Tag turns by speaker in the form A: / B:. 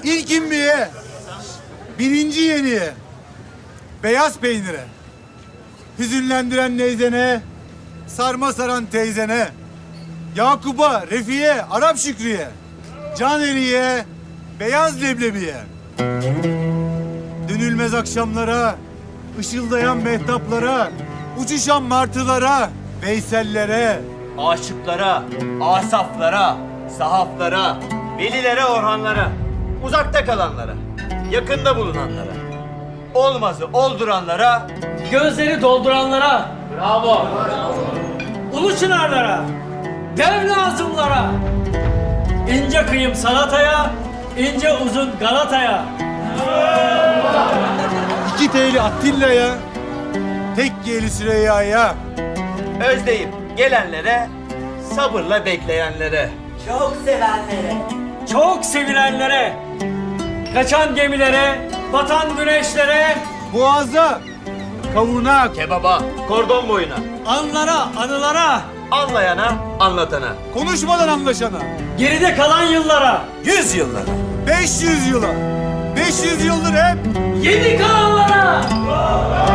A: İlk imbiye, birinci yeniye, beyaz peynire, hüzünlendiren neyzene, sarma saran teyzene, Yakup'a, Refi'ye, Arap Şükrü'ye, Caneri'ye, beyaz leblebiye. Dönülmez akşamlara, ışıldayan mehtaplara, uçuşan martılara, Veysellere,
B: Aşıklara, asaflara, sahaflara, velilere, orhanlara, uzakta kalanlara, yakında bulunanlara, olmazı olduranlara,
C: Gözleri dolduranlara, bravo. Ulu çınarlara, dev nazımlara, ince kıyım salataya, ince uzun Galata'ya.
A: iki teyli Atilla'ya, tek yeli Süreyya'ya,
B: özleyip gelenlere, sabırla bekleyenlere,
D: Çok sevenlere.
C: Çok sevilenlere, kaçan gemilere, batan güneşlere,
A: boğaza, kavuna,
B: kebaba, kordon boyuna,
C: anlara, anılara,
B: anlayana, anlatana,
A: konuşmadan anlaşana,
C: geride kalan yıllara,
B: 100 yıllara.
A: 500 yıla, 500 yıldır hep
C: yeni kalanlara.